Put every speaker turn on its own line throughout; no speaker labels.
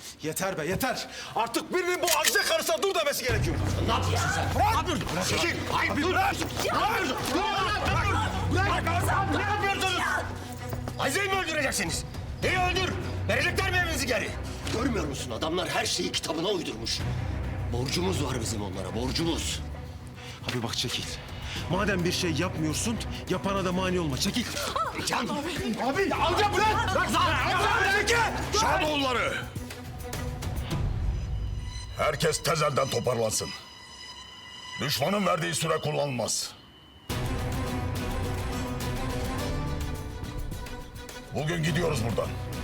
Yeter be yeter. Artık birinin bu Azize karısına dur demesi gerekiyor.
Ne yapıyorsun sen?
Bırak!
Ne yapıyorsun?
Çekil!
Hayır,
Bırak! Bırak!
Ne yapıyorsunuz? Azize'yi mi öldüreceksiniz? Neyi öldür? Verecekler mi evinizi geri? Görmüyor musun? Adamlar her şeyi kitabına uydurmuş. Borcumuz var bizim onlara, borcumuz.
Abi bak çekil. Madem bir şey yapmıyorsun, yapana da mani olma. Çekil.
Can!
Abi amca bırak! Bırak sana! Çekil!
Şadoğulları! Herkes tezelden toparlansın. Düşmanın verdiği süre kullanılmaz. Bugün gidiyoruz buradan.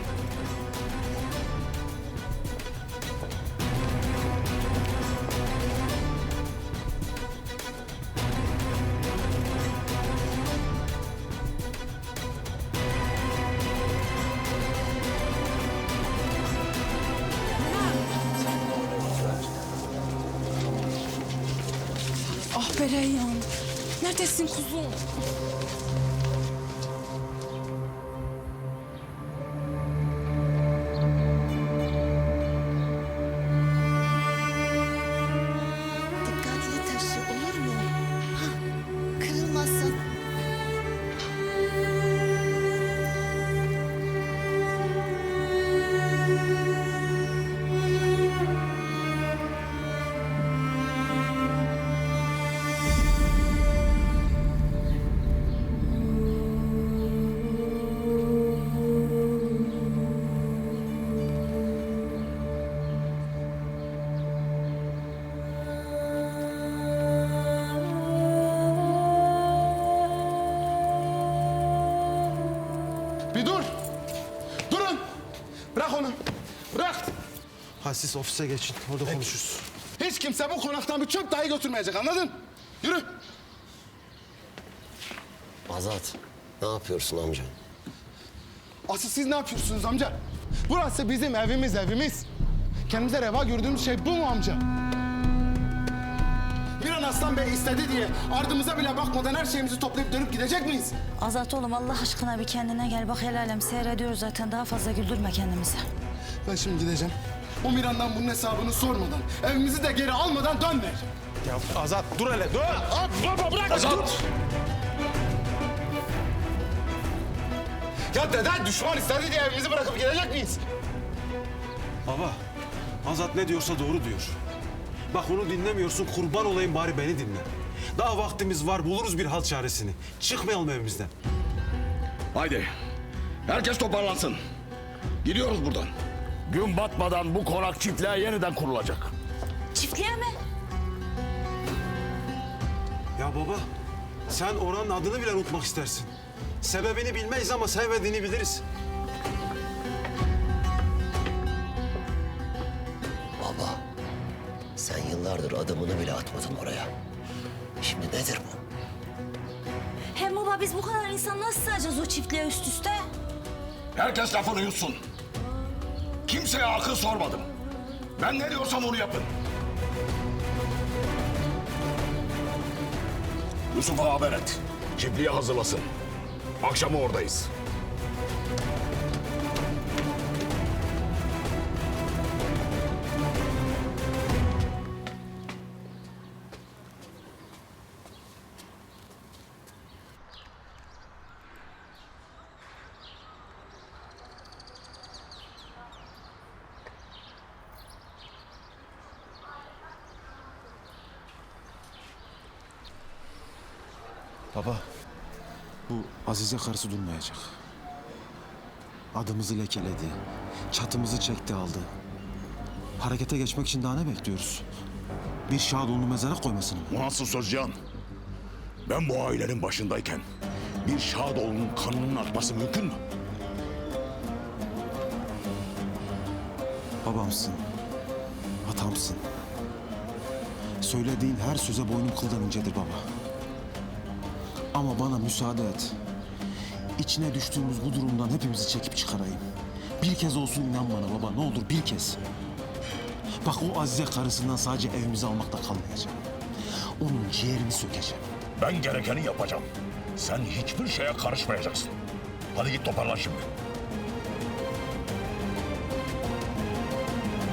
Ah be Reyhan. Neredesin kuzum?
Dikkatli taşı olur mu? Ha, kırılmasın.
Bir dur. Durun. Bırak onu. Bırak.
Ha siz ofise geçin. Orada konuşuruz.
Hiç kimse bu konaktan bir çöp dahi götürmeyecek, anladın? Yürü.
Azat, ne yapıyorsun amca?
Asıl siz ne yapıyorsunuz amca? Burası bizim evimiz. Kendimize reva gördüğümüz şey bu mu amca? Bir an Aslan Bey istedi diye ardımıza bile bakmadan her şeyimizi toplayıp dönüp gidecek miyiz?
Azat oğlum Allah aşkına bir kendine gel. Bak el alem seyrediyoruz zaten. Daha fazla güldürme kendimizi.
Ben şimdi gideceğim. O Miran'dan bunun hesabını sormadan, evimizi de geri almadan dönmeyeceğim.
Ya Azat dur hele dur.
Baba bırak. Azat. Ya dede düşman istedi diye evimizi bırakıp gidecek miyiz?
Baba, Azat ne diyorsa doğru diyor. Bak onu dinlemiyorsun, kurban olayım bari beni dinle. Daha vaktimiz var, buluruz bir hal çaresini. Çıkmayalım evimizden.
Haydi. Herkes toparlansın. Gidiyoruz buradan. Gün batmadan bu konak çiftliğe yeniden kurulacak.
Çiftliğe mi?
Ya baba, sen oranın adını bile unutmak istersin. Sebebini bilmeyiz ama sevmediğini biliriz.
Baba, sen yıllardır adımını bile atmadın oraya. Şimdi nedir bu?
Hem baba biz bu kadar insan nasıl sığacağız o çiftliğe üst üste?
Herkes lafını yutsun. Kimseye akıl sormadım. Ben ne diyorsam onu yapın. Yusuf'a haber et. Çiftliği hazırlasın. Akşama oradayız.
Baba, bu Azize karısı durmayacak. Adımızı lekeledi, çatımızı çekti aldı. Harekete geçmek için daha ne bekliyoruz? Bir Şadoğlu'nu mezara koymasını mı?
Bu nasıl söz Can? Ben bu ailenin başındayken bir Şadoğlu'nun kanının akması mümkün mü?
Babamsın, atamsın. Söylediğin her söze boynum kıldan incedir baba. Ama bana müsaade et. İçine düştüğümüz bu durumdan hepimizi çekip çıkarayım. Bir kez olsun inan bana baba, ne olur bir kez. Bak o Azize karısından sadece evimizi almakta kalmayacağım. Onun ciğerini sökeceğim.
Ben gerekeni yapacağım. Sen hiçbir şeye karışmayacaksın. Hadi git toparlan şimdi.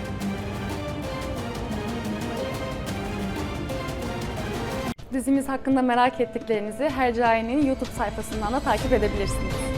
Dizimiz hakkında merak ettiklerinizi Hercai'nin YouTube sayfasından da takip edebilirsiniz.